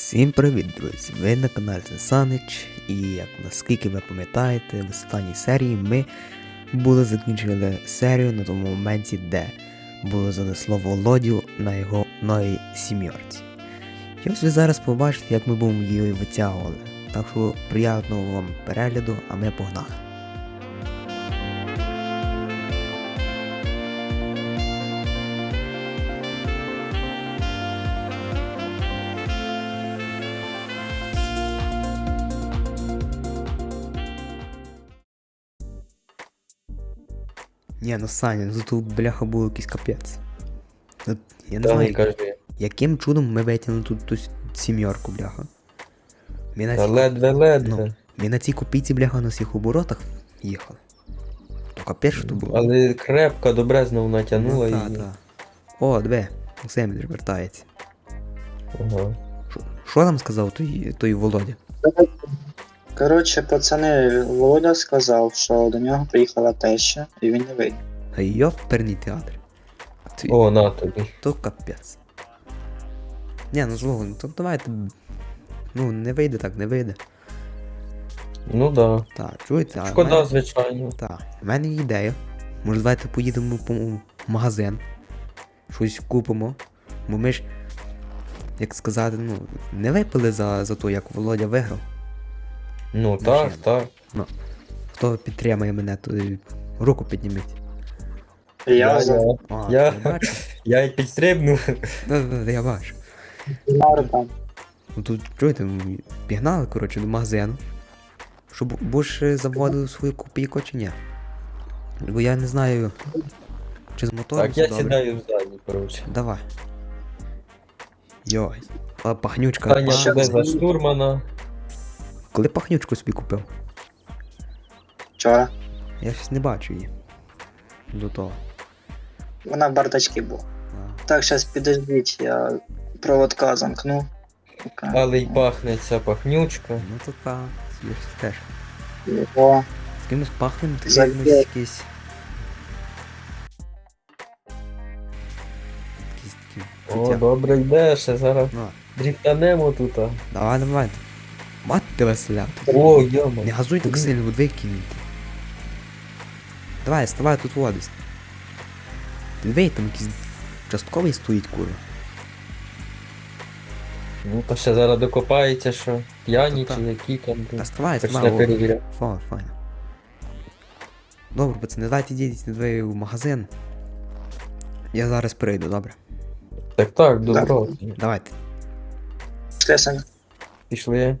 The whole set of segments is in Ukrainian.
Всім привіт, друзі! Ви на каналі Санич, і як наскільки ви пам'ятаєте, в останній серії ми закінчили серію на тому моменті, де було занесло Володю на його новій сім'єрці. І ось ви зараз побачите, як ми будемо її витягували. Так що приємного вам перегляду, а ми погнали. Ні, ну Саня, ну тут бляха було якийсь капець. Тут, я не знаю, яким чудом ми витягнули тут ту сім'єрку, бляха. Та ледве. Ми на цій копійці, бляха, на всіх оборотах їхали. То капець, що то було. Але крепко, добре знову натягнула Ну, її. та. О, диви, Семель вертається. Ага. Що там сказав той Володя? Коротше, пацани, Володя сказав, що до нього приїхала теща, і він не вийде. А йоперний театр. О, на тобі. То капець. Ні, ну злого, ну то давайте. Ну, не вийде так, не вийде. Ну да. Так, чуєте? А Шкода, мене- звичайно. Так, в мене є ідея. Може, давайте поїдемо по магазин. Щось купимо. Бо ми ж, як сказати, ну, не випили за те, як Володя виграв. Ну Машина. так. Хто підтримує мене, то руку підніміть. Я за А, Я- я бачу. Я й підстрибнув. Да, я бачу. там. Ну тут, чуєте, ми пігнали, коротше, до магазину. Щоб будеш заводили свою копійку чи ні. Бо я не знаю, чи з мотором Так, я все добре. сідаю ззаді, коротше. Давай. Йой. А пахнючка. Таня що буде це? за штурмана. Коли пахнючку собі купив? Вчора. Я щось не бачу її. До того. Вона в бардачці була. А. Так, зараз підождіть, я проводка замкну. Але й пахне ця пахнючка. Ну то та, є ж теж. О, З кимось пахнем, то Забей. якимось якийсь. Якісь такі. О, життя. добре йде, ще зараз Ну, дріфтанемо тут. давай. Мати тебе селяти. О, Не йома. газуй так сильно, бо викинути. Давай, ставай тут водись. Диви, там якийсь частковий стоїть, курва. Ну то ще зараз докопається, що п'яні Та-та. чи які там. Та ставай, Почне ставай. перевіряти. Файно. Добре, пацани, давайте йдіть двоє в магазин. Я зараз прийду, добре? Так, добро. Давайте. пішли, Саня. Пішли.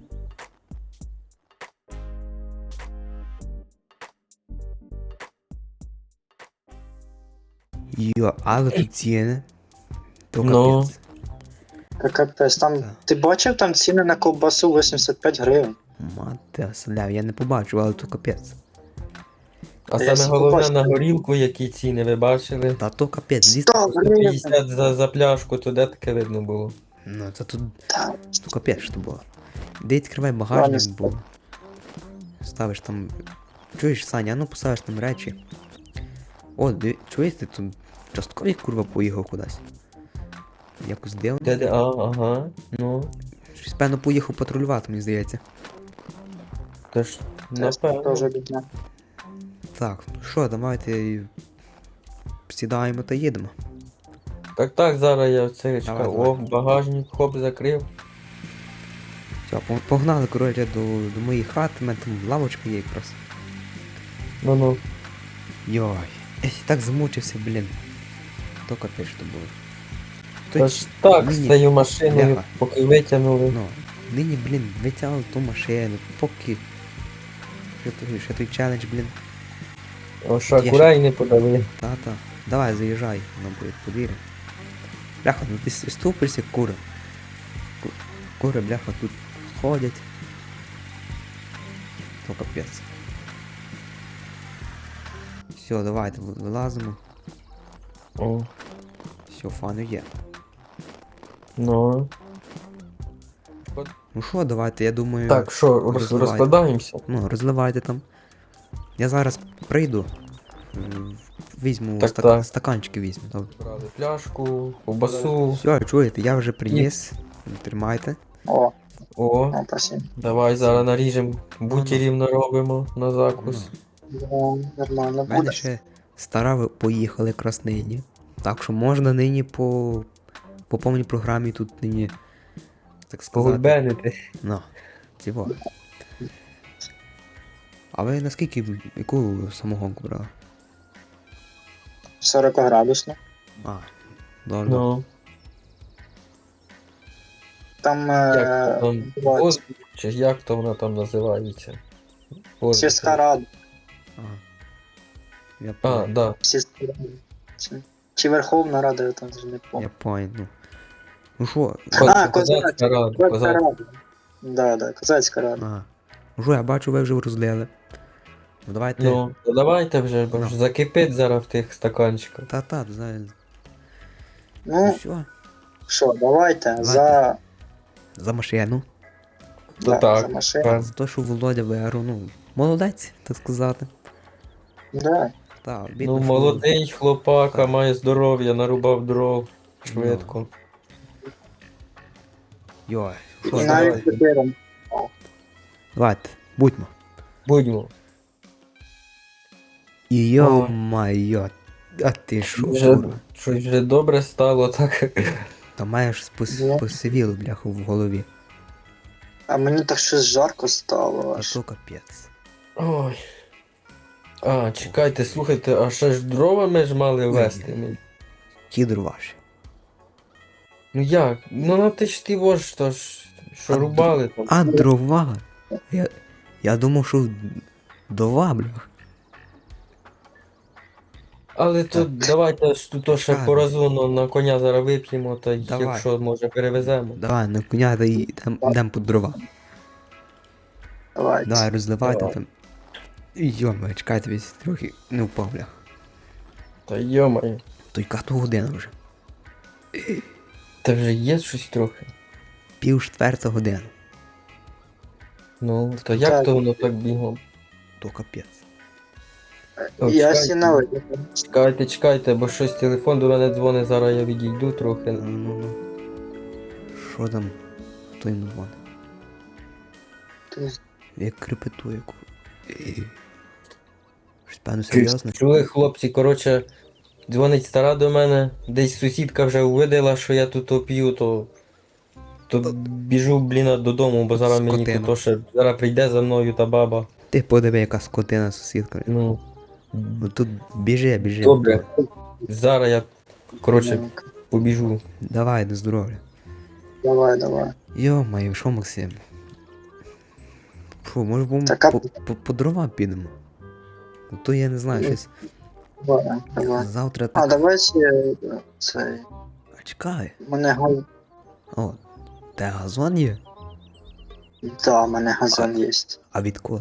Йо, але тут ціни. То Ну. капець. Та капець, там, Так. ти бачив там ціни на ковбасу 85 гривень? Мати сляв, я не побачив, але то капець. А Я саме головне побачив. на горілку, які ціни ви бачили. Та то капець, звідси. 100 гривень! 50 за пляшку, то де таке видно було. Ну, це тут Та, то капець що було. Де відкривай багажник, Ладно, бо ставиш там. Чуєш, Саня, а ну поставиш там речі. О, чуєте, тут частковий курва поїхав кудись. Якось дивно. Де, ага, ну. Щось певно поїхав патрулювати, мені здається. То ж, теж напевно. бідня. Так, ну що, давайте сідаємо та їдемо. Так, зараз я це чекаю. Давай. О, багажник, хоп, закрив. Все, погнали, коротше, до моєї хати, у мене там лавочка є якраз. Ну. Йой, я так замучився, блін. То капець що було. Та ж так, нині- з цією машиною, Бляха. поки витягнули. Ну, нині, блін, витягли ту машину, поки. Ще той челендж, блін. О, що, Я курай не подали. Та. Давай, заїжджай на подвір'я. Бляха, ну ти ступишся, кури. Кури, бляха, тут ходять. То капець. Все, давайте вилазимо. О, Все, фану є. ну. Ну що, давайте, я думаю. Так, що, розливайте. розкладаємося? Ну, розливайте там. Я зараз прийду. Візьму Так. стаканчики візьму. Добре. Брали пляшку, ковбасу. Все, чуєте, я вже приніс. Тримайте. О, О, спасибо. давай зараз наріжемо бутірів наробимо на закус. Да, нормально У мене буде. ще стара поїхали краснині. Так що можна нині по повній програмі тут нині, так сказати. Погульбенити. Ну, цього. А ви наскільки, яку самогонку брали? 40 градусно. А, добре. Ну, Там як то там, бувають воздух, чи як то вона там називається? Воздух. сільська рада. Ага. Я А, понял. да. Сільська рада. Чи Верховна Рада, я там вже не Я пам'ятаю. понял, ну. Ну що, А, Козацька рада, Козацька козацька. рада. Да, Козацька рада. ага. Ну що, я бачу, ви вже розлили. Ну давайте. Ну, то давайте вже, бо Ну. ж закипить зараз в тих стаканчиках. Та, знаю. Ну, Все, що, давайте Давайте. за, за машину. То да, так. за машину. так. За те, що Володя виграв, ну, молодець, так сказати. Да. Так, Ну, молодий хлопака, Так. має здоров'я, нарубав дров швидко. Йой, І що, давай. навіть тепер давайте, будьмо. Будьмо. І йо-майо, а ти що, Вже, курва? щось вже добре стало, так. Та маєш Ну. посивіло, бляху, в голові. А мені так щось жарко стало А аж. то капець. Ой. А, чекайте, слухайте, а ще ж дрова ми ж мали вести. Ті ваші. Ну як? Ну на ти ж ти вож, то ж, що А рубали там. А дрова? Я думав, що дрова, блях. Але то давайте ж тут то ще Так. по розумно на коня зараз вип'ємо, та й Давай. якщо може перевеземо. Давай, на коня та йдем по дрова. Давайте. Давай, розливайте Давай. там. Йома, чекайте, весь трохи не впав, блях. Та йомає. То яка то година вже? Та вже є щось трохи. 3:30 година. Ну, то як Так. то воно так бігом? То капець. О, Я чекайте. сіна Чекайте, бо щось телефон до мене дзвонить, зараз я відійду трохи. Ну. Що там? Хто йому дзвонить? Як крепетує. Щось певно серйозне? Чули, хлопці, коротше, дзвонить стара до мене, десь сусідка вже увидела, що я тут оп'ю, то біжу, блін, додому, бо зараз мені Скотина. тут то ще зараз прийде за мною та баба. Ти подиви, яка скотина сусідка. Ну, Ну тут біжи. добре. Зараз я, коротше, побіжу. Давай, до здоров'я. Давай. Йо-моє, що, Максим? Фу, може будемо Так, а- по дрова підемо? Ну то я не знаю, щось Давай. завтра А, так. давай ще цей. А чекай. Мене О, те газон є? Да, мене газон є. А відколи?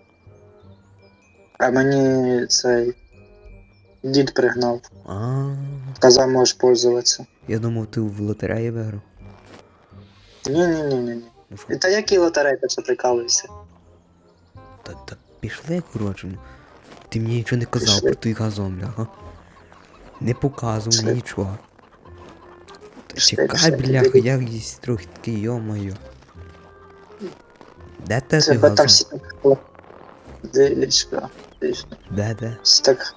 А мені цей дід пригнав. А, Казав, можеш пользуватися. я думав, ти в лотереї виграв. Ні. Ну що, Та які лотереї, ти що прикалуєшся? та пішли, коротше. Ну. Ти мені нічого не казав Пішли. про той газон, бляха. Не показував Пішли. мені нічого. Та Пішли, чекай, пішли. бляха, я їсть трохи такий, йо-моє. Де те той Тебе там газон? всі так дивишка. Де? Всі так.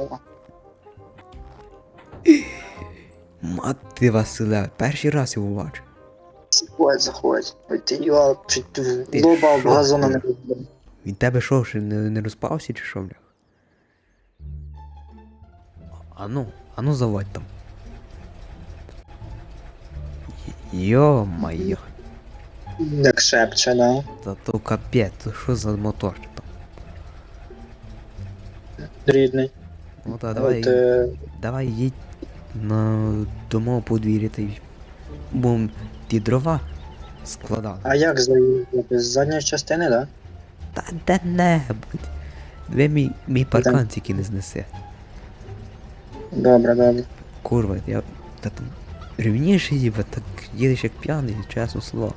Мати Василя, перший раз його бачу. Заходь. Ой, ти його чуть Ти в лоба об що, газону не бля? розбив. Він тебе що, ще не розпався чи що, бля? Ану заводь там. Йо-моє, Як шепче, да? та то капець, то що за мотор там? Рідний. Ну та От, давай їдь на домов подвір'я та й будем ті дрова складали. а як заїхати? З задньої частини, да? Та де-небудь. Ви мій паркан тільки не знесе. Добре. Курва, я та там рівніше їбе, так їдеш як п'яний, чесно слово.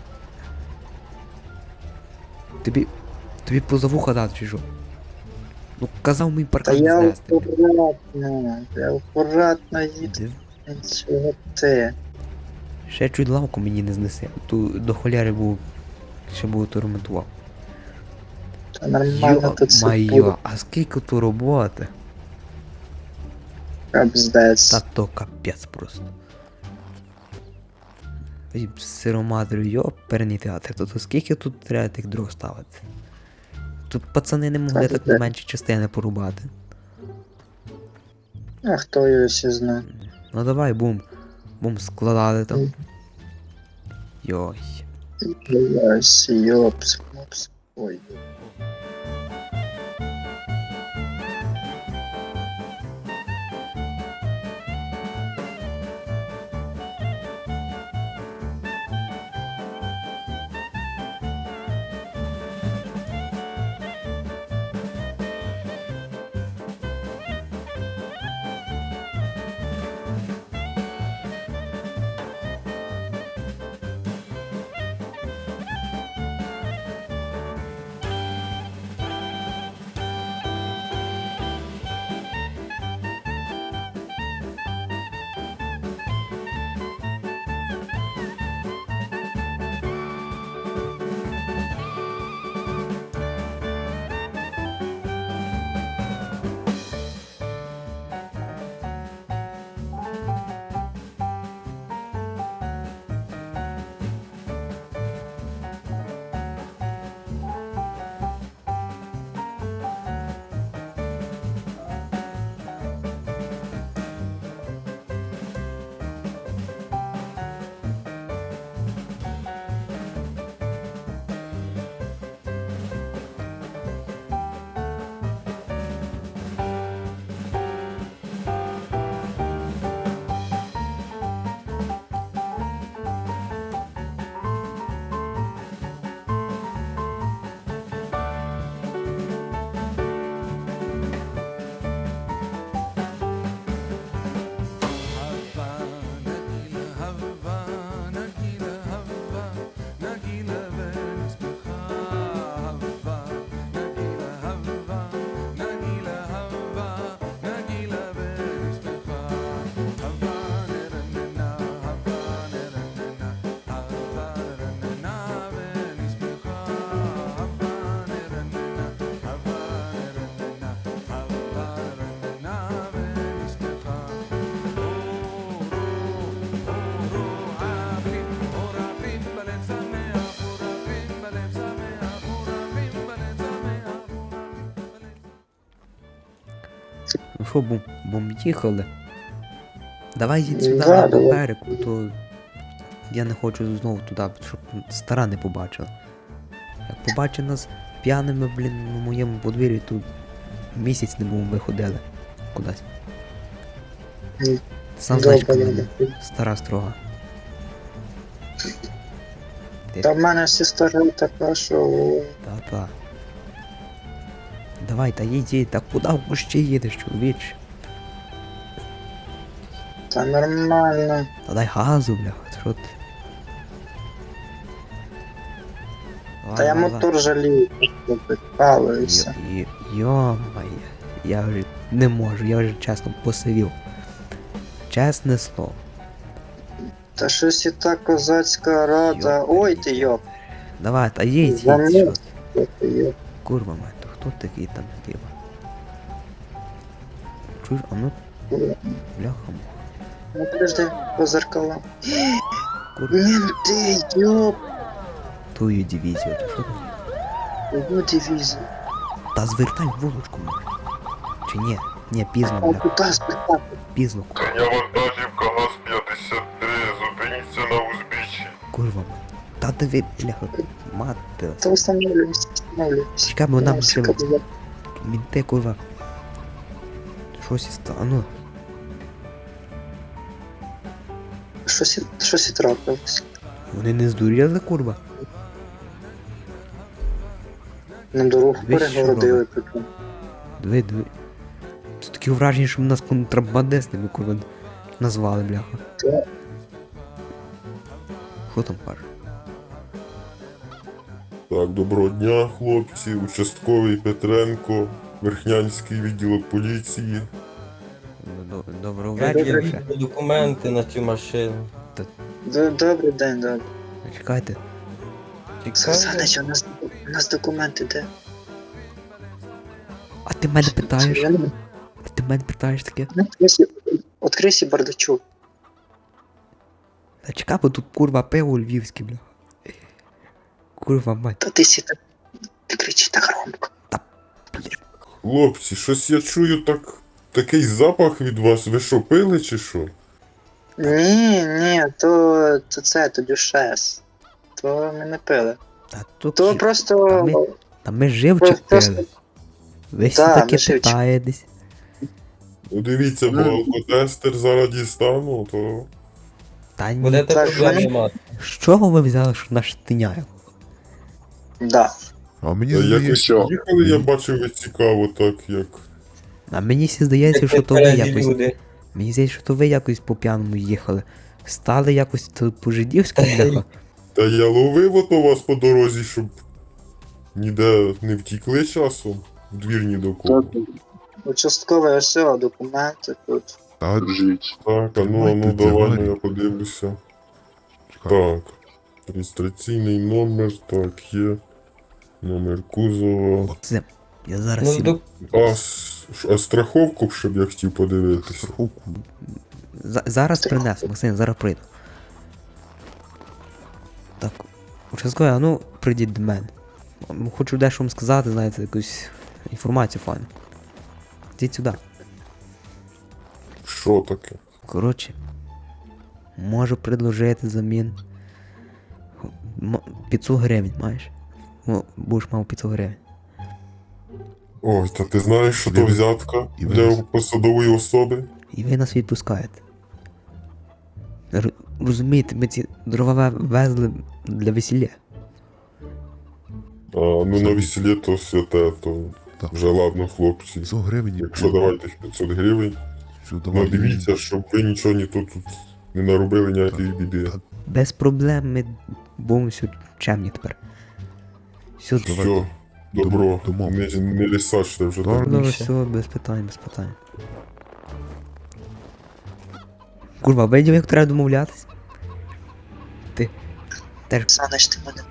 Тобі поза вуха дати чи що? Ну казав мій Та паркан не я знести. акуратно їду. Див- Чого ти? Ще чуть лавку мені не знеси. Ту до холєри був. Ще був то ремонтував. Та нормально тут все буде. Йо-майо, а скільки тут роботи? Капздець. Та то капець просто. Ой, сироматрю, йоперний театр, то скільки тут треба тих дров ставити? Тут пацани не могли Та так де? менші частини порубати. А хто його ще знає? Ну давай, бум. Бум, складали там. Йой. Блядь, йопс, хлопс. Ой. Ну що, бум, їхали. Давай їдь сюди Да, на давай. попереку, то я не хочу знову туди, щоб стара не побачила. Як побачить нас п'яними, блін, на моєму подвір'ї, то місяць не будемо виходили кудись. Ні. Сам знаєш, Добре, яка вона добре. стара строга. Та в мене сестра така, що Та-та. Давай, та їдь, так куди в кущі їдеш, чоловіч? та нормально. Та дай газу, бляха, що ти? Та я мотор жалію, що підпалився. Йо-моє, я вже не можу, я вже чесно посивів. Чесне слово. Та щось і та козацька рада. Йоп. Ой ти йоп. Давай, та їдь, Замовк. що ти? Ой, ти йоп. Курва мать, то хто такий там діва? Чуєш, а ну, бляха, Ну подожди, по зеркалам. курва, Менти, йоп. твою дивізію, то що там? Його дивізія. Та звертай вулочку, може. Чи ні? Ні, пізно, А бляха, куди спитати? пізно, Я вантажівка ГАЗ-53, зупиніться на узбіччі. курва мать. Та диви, бляха, мати. Та встановлюємося, встановлюємося. Чекай, бо нам Я ще всі казав. мінти, курва. Щось із та, ну. Щось і трапилось. Вони не здуріли, курва. На дорогу Ви що перегородили прикольно. Диви. Тут таке враження, що нас контрабандистами, курва, назвали, бляха. Та. Що там каже? Так, доброго дня, хлопці. Участковий Петренко, Верхнянський відділок поліції. Доброго Як я вечора. віддав документи на цю машину. Добрий день, добре. Чекайте. Цікаво. Санич, у нас документи де? А ти мене питаєш? Я не- А ти мене питаєш таке? Открийся бардачок. Та чекай, бо тут курва пиво львівське, бля. Курва мать. Та ти сіта. Ти кричи так громко. Хлопці, щось я чую такий запах від вас. Ви що, пили чи що? Ні, то дюшес. То ми не пили. Та тут То ж- просто. Та ми живчик просто- пили. Ви всі Да, таке ми живчик. питаєтесь. Ну дивіться, бо алкотестер зараз дістану, то. Та ні. Будете Так, проблеми мене- мати. З чого ви взяли, що наш тиняє? Да. А мені Якось здається, їхали, я бачив, ви цікаво, так як. А мені всі здається, Як що то ви тверезі якось. люди. Мені здається, що то ви якось по п'яному їхали. Стали якось тут по-жидівськи, бляха. Та я ловив ото вас по дорозі, щоб ніде не втікли часом. В двір ні до кого. Участкове все, документи тут. та Так, а Тримайте ну давай, двері. я подивлюся. чекай, Так. Реєстраційний номер, так, є. Номер кузова. Це, я зараз Ну, сім- до... А страховку б, щоб я хотів подивитися. страховку. Зараз принесу, Максим, зараз прийду. Так, участковий, а ну прийдіть до мене. Хочу дещо вам сказати, знаєте, якусь інформацію файну. Йдіть сюди. Що таке? Коротше, можу предложити замін. 500 гривень маєш? Ну, будеш мав 500 гривень. Ой, та ти знаєш, що то І ви- взятка і ви- для посадової особи? І ви нас відпускаєте. Розумієте, ми ці дрова везли для весілля. А, ну на весіллі то святе, то Так. вже ладно, хлопці. 500 гривень. Якщо давайте 500 гривень, Що, ну давай. дивіться, щоб ви нічого тут не наробили ніякої біди. Так. Без проблем ми будемо все чемні тепер. Все, Все, добро, домовились. не лісачте вже Да. так. добре, більше. все, без питань, без питань. Курва, видів, як треба домовлятись? Ти теж, Санич, ти мене.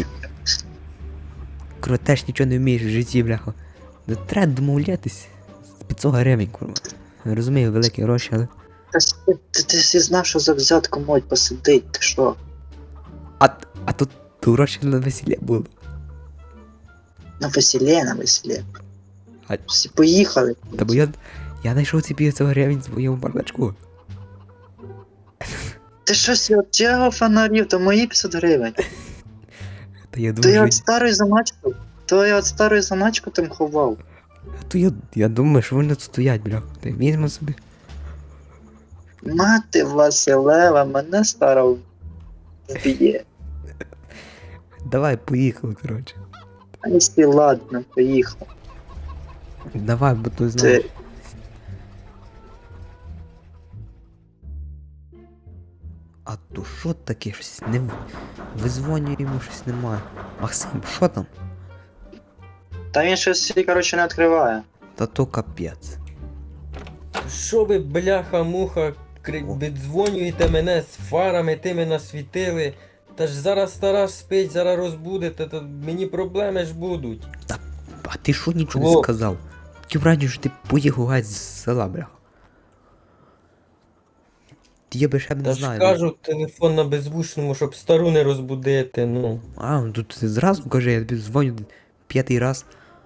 курва, теж нічого не вмієш в житті, бляха. Да треба домовлятись. 500 гривень, курва. Я розумію, великі гроші, але. Ти всі знав, що за взятку можуть посидить, ти що? А тут гроші на весілля було. На весіллі. А- Всі поїхали. Та бо я знайшов ці 500 гривень в своєму бардачку. Ти щось від цього фонарів, то мої 500 гривень. Та я То думаю, я що... от старої заначку. То я от старої заначку там ховав. То я думаю, що вони тут стоять, бля. Та й візьмемо собі. Мати Василева, мене стара вб'є. Давай, поїхали, коротше. А якщо ладно, поїхав. Давай, бо то знову. Ти А то що таке? Щось не визвонюємо, щось немає. Максим, що там? Та він щось всі, коротше, не відкриває. Та то капець. Що ви, бляха-муха, віддзвонюєте мене з фарами, тими насвітили. Та ж зараз стара спить, зараз розбудете, то мені проблеми ж будуть. А ти що нічого не О. сказав? Ті враді, що ти поїхав геть з села, бля. Я би ще б Та не ж знаю. кажу, телефон на беззвучному, щоб стару не розбудити, ну. А, ну тут ти зразу кажи, я тобі дзвоню 5-й раз.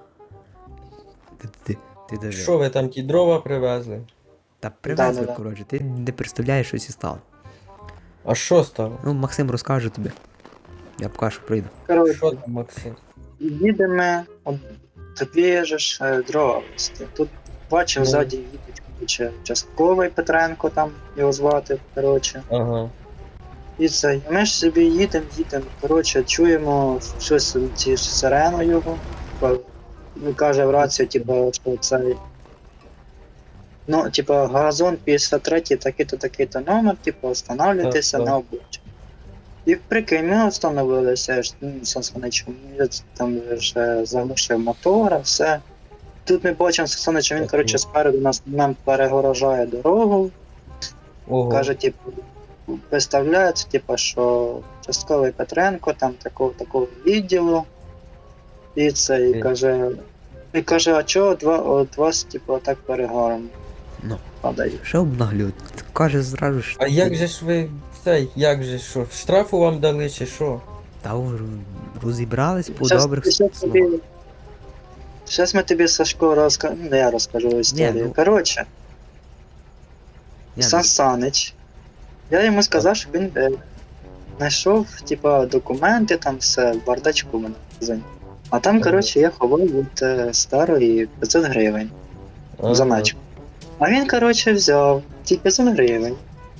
Ти даже. Що ви там ті дрова привезли? Та привезли, Да-да-да. коротше, ти не представляєш, що і стало. А що стало? Ну, Максим розкаже тобі. Я покажу, що прийду. Що Коротше, там, Максим? їдемо, от тобі же ж дрова везти. Тут бачив, Ну. ззаді їдуть, коротше, частковий Петренко там його звати, коротше. Ага. І це. І ми ж собі їдемо, коротше, чуємо щось ці сирену його. Він каже в рацію, типу, що це. Ну, типу, газон 53, такий-то номер, типу, встановлюйтеся Так, на обличчя. І прикинь, ми встановилися, Сансоничем, там вже заглушив мотора, все. Тут ми бачимо Сансонича, він, Так, коротше, ну. спереду нам перегорожає дорогу, Ого. каже, типу, виставляється, типу, що частковий Петренко там такого відділу. І це, і каже, а чого от вас, типу, так перегаром Ну, падає? що обнаглюють? Каже зразу ж. А як же ж ви як же що? Штрафу вам дали чи що? Та вже розібрались по Щас- добрих щас словах. тобі- Щас ми тобі, Сашко, ну, не я розкажу історію. ну- Коротше, Ні, Сан Санич, я йому сказав, що він знайшов, типа, документи, там все, в бардачку в мене в магазині. А там, коротше, я ховав від старої 500 гривень в заначку. А він, коротше, взяв ті 500 гривень.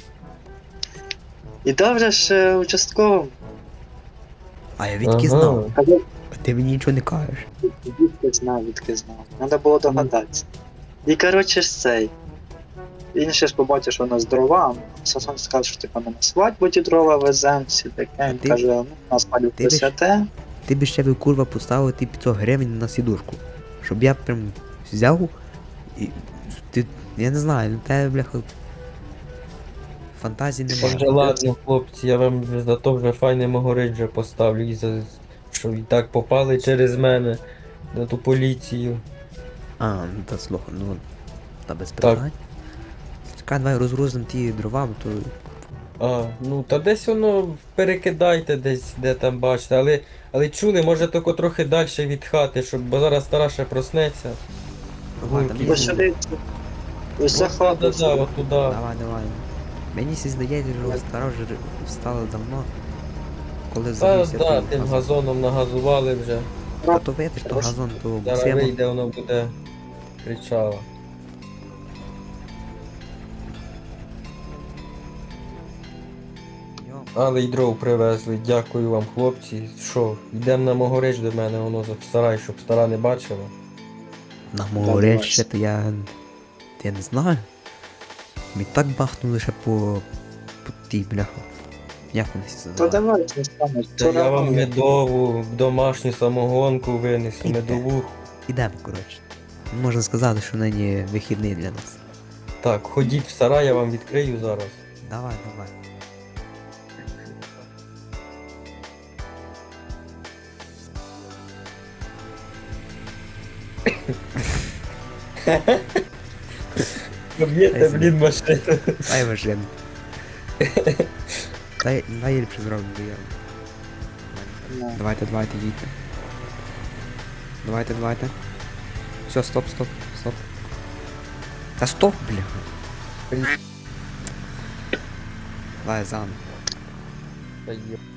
І дав же ж участковому. А я відки знав. Казав, А ти мені нічого не кажеш. відки знав. Треба було догадатися. І, коротше, ж цей. Він ще ж побачив, що у нас дрова. Сасон сказав, що типу, ми на свадьбу ті дрова веземо, всі таке. Він ти- каже, ну, у нас палюк ти ж- святе. Ти б ще би курва поставив ті 500 гривень на сідушку. Щоб я прям взяв і. Ти. Я не знаю, ну тебе, бляха. Фантазії Та вже немає. ладно, хлопці, я вам за то вже файне могорить вже поставлю, і за що і так попали через мене на ту поліцію. А, ну та слухай, ну. Та без питань. Чекай, давай розгрузимо ті дрова, бо то. А, ну та десь воно перекидайте десь, де там бачите, але чули, може тільки трохи далі від хати, щоб, бо зараз стара ще проснеться. Давай, там є. Ось сюди. Ось за хату. Да, от туди. Давай. Мені сі здається, що стара вже встала давно. Коли Та завівся да, той тим газон. газоном нагазували вже. А то видиш, то газон, то Зараз бусимо. вийде, воно буде кричало. Але й дров привезли, дякую вам, хлопці. Що, йдемо на Могорич до мене, воно в сарай, щоб стара не бачила. На давай. море то я не знаю. Мені так бахнули ще по тій бляху. Як вони всі То називають? давай, не станеш. Та я вам медову, домашню самогонку винесу, медову. Ідемо, коротше. Можна сказати, що нині вихідний для нас. Так, ходіть в сарай, я вам відкрию зараз. Давай. Поб'єте, блін, машину. Дай машину. Дай я ліпше зроблю, бо я. Давайте, їдьте. Давайте. Все, стоп. Та стоп, бля. Давай заново. Та є.